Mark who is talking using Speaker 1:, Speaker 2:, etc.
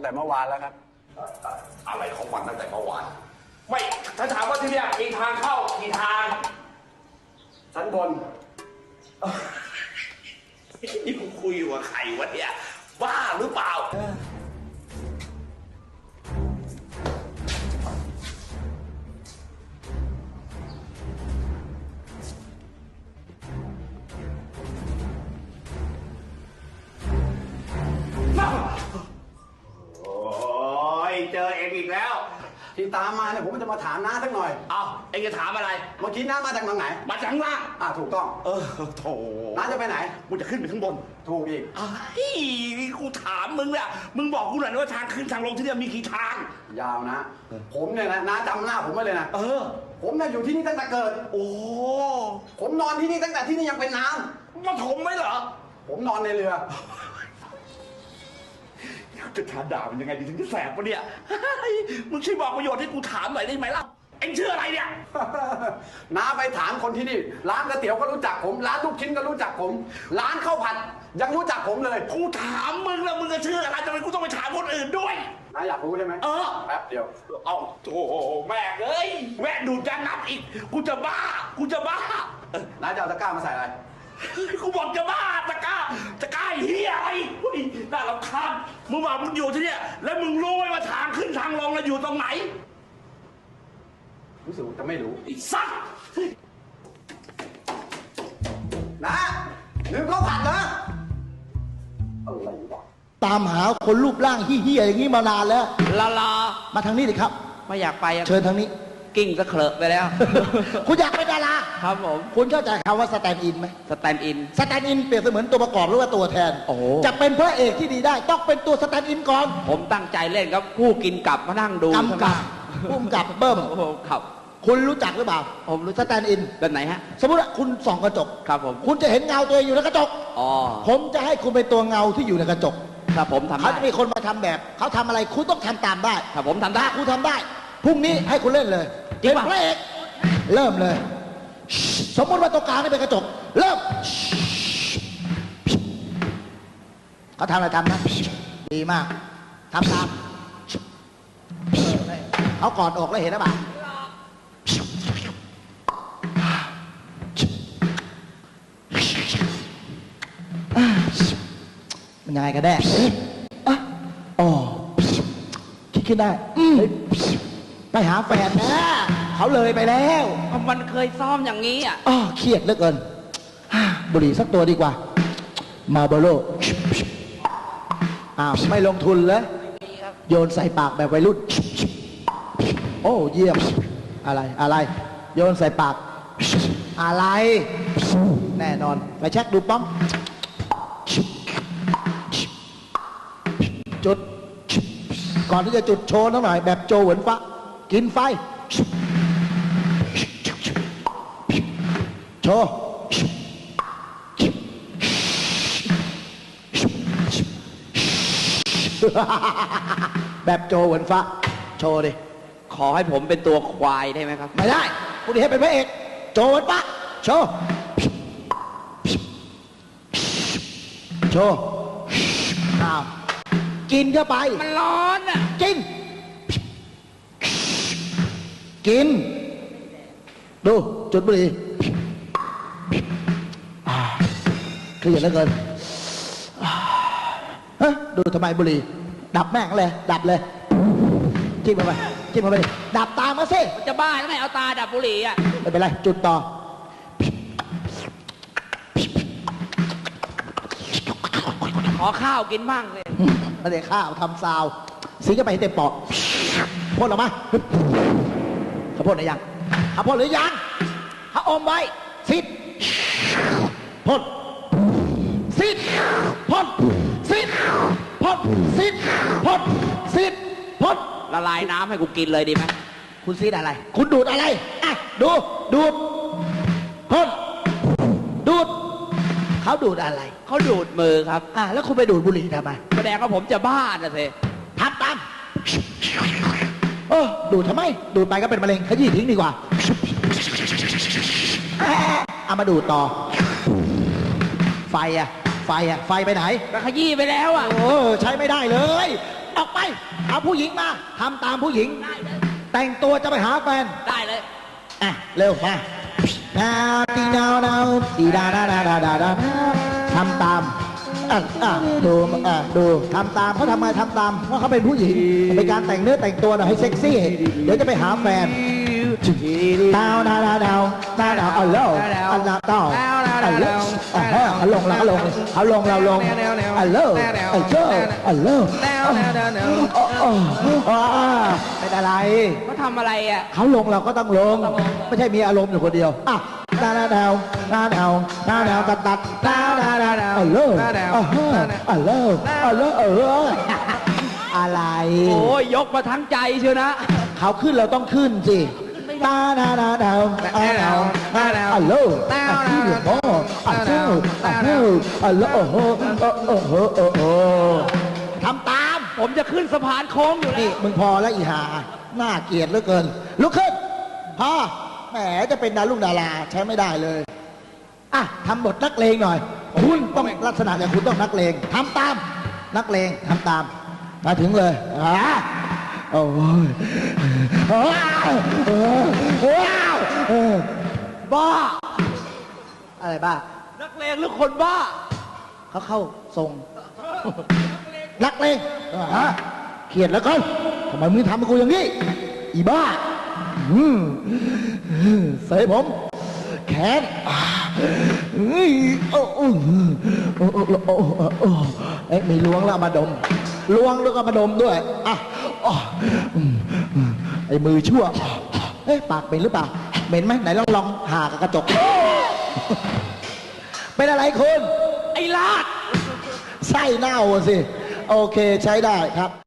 Speaker 1: แต่เมื่อวานแล้วครับ
Speaker 2: อะไรของมันตั้งแต่เมื่อวาน
Speaker 3: ไม่ถ้าถามว่าที่เนี่ยมีทางเข้ากี่ทาง
Speaker 1: ชั้นบน
Speaker 2: นี่กูคุยกับใครวะเนี่ยบ้าหรือเปล่าโอ้ยเจอเองอีกแล้ว
Speaker 1: ที่ตามมาเนี่ยผมจะมาถามน้าสักหน่อย
Speaker 2: เอาเองจะถามอะไร
Speaker 1: เมื่อกี้น้ามาจากทางไหน
Speaker 2: มาจากข้างล่าง
Speaker 1: ถูกต้อง
Speaker 2: โถ
Speaker 1: น้าจะไปไหน
Speaker 2: กูจะขึ้นไปข้างบน
Speaker 1: ถูกอีก
Speaker 2: ไอ้กูถามมึงเนี่ยมึงบอกกูหน่อยว่าทางขึ้นทางลงที่เนี่ยมีกี่ทาง
Speaker 1: ยาวนะ ผมเนี่ยนะน้าจำหน้าผมไว้เลยนะ ผมเนี่ยอยู่ที่นี่ตั้งแต่เกิด
Speaker 2: โอ้
Speaker 1: ผมนอนที่นี่ตั้งแต่ที่นี่ยังเป็นน้
Speaker 2: มาถมไหมเหรอ
Speaker 1: ำผมนอนในเรือ
Speaker 2: จะทานด่ามันยังไงดีถึงจะแสบวะเนี่ยมึงช่วยบอกประโยชน์ให้กูถามหน่อยได้ไหมล่ะเอ็งชื่ออะไรเนี่ย
Speaker 1: น้าไปถามคนที่นี่ ร้านก๋วยเตี๋ยวก็รู้จักผม ร้านลูกชิ้นก็รู้จักผม ร้านข้าวผัดยังรู้จักผมเลย
Speaker 2: กูถามมึงแล้วมึงจะชื่ออะไรทำไมกูต้องไปถามคนอื่นด้วย
Speaker 1: น้าอยากรู้ใช่ไหมแป๊บเดียว
Speaker 2: เอาโธ่แม่เอ้ยแม่ดูดจะนับอีกกูจะบ้า
Speaker 1: น้าจะเอาตะกร้ามาใส่อะไร
Speaker 2: กูบอกจะบ้าตะกร้าเฮียอะไรเฮ้ยน่ารำคาญมึงบอกมึงอยู่ที่เนี่ยแล้วมึงรู้ไหมว่าทางขึ้นทางลงเราอยู่ตรงไหน
Speaker 1: รู้สึกจะไม่รู้
Speaker 2: ไอ้สัตว์
Speaker 1: นะลืมข้าวผัดเหรออะไรวะ
Speaker 4: ตามหาคนรูปร่างเฮี้ยๆอย่างนี้มานานแล้ว
Speaker 5: ลา
Speaker 4: มาทางนี้ดิครับ
Speaker 5: ไม่อยากไปอะ
Speaker 4: เชิญทางนี้
Speaker 5: กิ้งสะเคลอะไปแล้ว
Speaker 4: คุณอยากเป็นดารา
Speaker 5: ครับผม
Speaker 4: คุณเข้าใจคำว่าสแตนด์อินไหม
Speaker 5: สแตนด์อิน
Speaker 4: สแตนด์อินเปรียบเสมือนตัวประกอบหรือว่าตัวแทน
Speaker 5: โอ้โห
Speaker 4: จะเป็นพระเอกที่ดีได้ ต้องเป็นตัวสแตนด์อินก่อน
Speaker 5: ผมตั้งใจเล่นครับผู้กินกลับมานั่งดู
Speaker 4: กำกับพุ่มกับเบิ้ม
Speaker 5: โอ้โหครับ
Speaker 4: คุณรู้จักหรือเปล่า
Speaker 5: ผมรู้
Speaker 4: สแตนด์อิน
Speaker 5: แบบไหนฮะ
Speaker 4: สมมติว่าคุณส่องกระจก
Speaker 5: ครับผม
Speaker 4: คุณจะเห็นเงาตัวเองอยู่ในกระจก
Speaker 5: อ๋อ
Speaker 4: ผมจะให้คุณเป็นตัวเงาที่อยู่ในกระจก
Speaker 5: ถ้าผมทำ
Speaker 4: เขา
Speaker 5: ได้
Speaker 4: จะมีคนมาทำแบบ เขาทำอะไรคุณต้องทำตามได้
Speaker 5: ถ้าผมทำได้
Speaker 4: ถ้าคุณทำได้ พรุ่งนี้ให้คุณเล่นเลย
Speaker 5: จริง
Speaker 4: เป็น
Speaker 5: ป่ะ
Speaker 4: พระเอกเริ่มเลย สมมติว่าตรงกลางนี่เป็นกระจก เริ่มเขาทำอะไรทำนะดีมากทำตามเขากอดอกแล้วเห็นหรือเปล่ามันยังไงกันแน่อ๋อคิดขึ้นได้เฮ้ยไปหาแฟนนะเขาเลยไปแล้ว
Speaker 5: มันเคยซ้อมอย่างนี้อ่ะ
Speaker 4: อ้อเครียดเหลือเกินบุหรี่สักตัวดีกว่า มาโบโลอ้าวไม่ลงทุนเลยโยนใส่ปากแบบวัยรุ่น โอ้เยี่ยมอะไรโยนใส่ปากอะไร แน่นอนไปเช็คดูป้องจุดก่อนที่จะจุดโชว์นิดหน่อยแบบโจเหวินฟ้ากินไฟโชว์แบบโจเหวินฟ้าโชว์ดิ
Speaker 5: ขอให้ผมเป็นตัวควายได้ไหมครับ
Speaker 4: ไม่ได้คุณดีให้เป็นพระเอกโจเหวินฟ้าโชว์โชว์อ้าวกินเข้าไป
Speaker 5: มันร้อนอ่ะ
Speaker 4: กิน กิน ดูจุดบุหรี่เครียดเหลือเกินฮะดูทำไมบุหรี่ดับแม่งเลยดับเลยจิ้มเข้าไปจิ้มเข้าไปดิดับตามมาสิ
Speaker 5: มันจะบ้าแล้วไงเอาตาดับบุหรี่อ่ะ
Speaker 4: ไม่เป็นไรจุดต่อ
Speaker 5: ขอข้าวกินบ้างเลย
Speaker 4: ไม่ได้ข้าวทำซาวสีก็ไปให้เต็มปอดพ่นออกมาเขาพ่นหรือยังเขาพ่นหรือยังเขาอมไว้ซิดพ่นซิดพ่นซิดพ่นซิดพ่นซิดพ่น
Speaker 5: ละลายน้ำให้กูกินเลยดีไหม
Speaker 4: คุณซีดอะไร คุณดูดอะไรอ่ะดูดพ่นดูดเขาดูดอะไร
Speaker 5: เขาดูดมือครับ
Speaker 4: แล้วคุณไปดูดบุหรี่ทำไม
Speaker 5: แสดงว่าผมจะบ้าน่ะสิ
Speaker 4: ทำตามดูดทำไม ดูดไปก็เป็นมะเร็งขยี้ทิ้งดีกว่าเอามาดูดต่อ ไฟไปไหน
Speaker 5: ก็ขยี้ไปแล้วอ่ะ
Speaker 4: ใช้ไม่ได้เลยออกไป เอาผู้หญิงมาทำตามผู้หญิง แต่งตัวจะไปหาแฟน
Speaker 5: ได้เลย
Speaker 4: อ่ะ เร็วมาดาวตีดาวดาวตีดาดาดาดาดาดาทำตามดูทำตามเขาทำไมทำตามเพราะเขาเป็นผู้หญิงเป็นการแต่งเนื้อแต่งตัวหน่อยให้เซ็กซี่ เดี๋ยวจะไปหาแฟนดาวดาวดาวดาวดาวดาวเอาเร็วเอาเร็วต่อเอาเร็วเอาลงแล้วก็ลงเอาลงเราลงเอาเร็วเอาเจ้าเอาเร็วเป็นอะไร
Speaker 5: เขาทำอะไรอ่ะ
Speaker 4: เขาลงเราก็ต้องลง ไม่ใช่มีอารมณ์อยู่คนเดียวอ่ะดาวดาวดาวดาวดาวดาวตัดตัดดาวดาวดาวเอาเร็วเอาเร็วเอาเร็วอะไร
Speaker 5: โอ้ยยกมาทั้งใจเชียวนะ
Speaker 4: เขาขึ้นเราต้องขึ้นสิดาวดาวดาวดาวดาวเอาเร็วขึ้นอยู่พ่อเอาเร็วเอาเร็วเอาเร็วโอ้โหทำตาม
Speaker 5: ผมจะขึ้นสะพานโค้งอยู่แล้
Speaker 4: นี่
Speaker 5: ว
Speaker 4: มึงพอแล้วอีหาน่าเกลียดเหลือเกินลุกขึ้นพอแหมจะเป็นดาราใช้ไม่ได้เลยอ่ะทำบทนักเลงหน่อย คุณต้องลักษณะอย่างคุณต้องนักเลงทำตามนักเลงทำตามมาถึงเลยโอ้ยบ้าอะไรบ้า
Speaker 5: นักเลงหรือคนบ้า
Speaker 4: เขาเข้าทรงนักเลงเกลียดแล้วกันทำไมมึงทำกับกูอย่างนี้อีบ้าเสยผมแขนมีล้วงแล้วมาดมล้วงแล้วก็มาดมด้วยไอ้มือชั่วปากเป็นหรือเปล่าเหม็นไหมไหนลองหากับกระจกเป็นอะไรคุณ
Speaker 5: ไอ้ลาด
Speaker 4: ไส้เน่าสิโอเคใช้ได้ครับ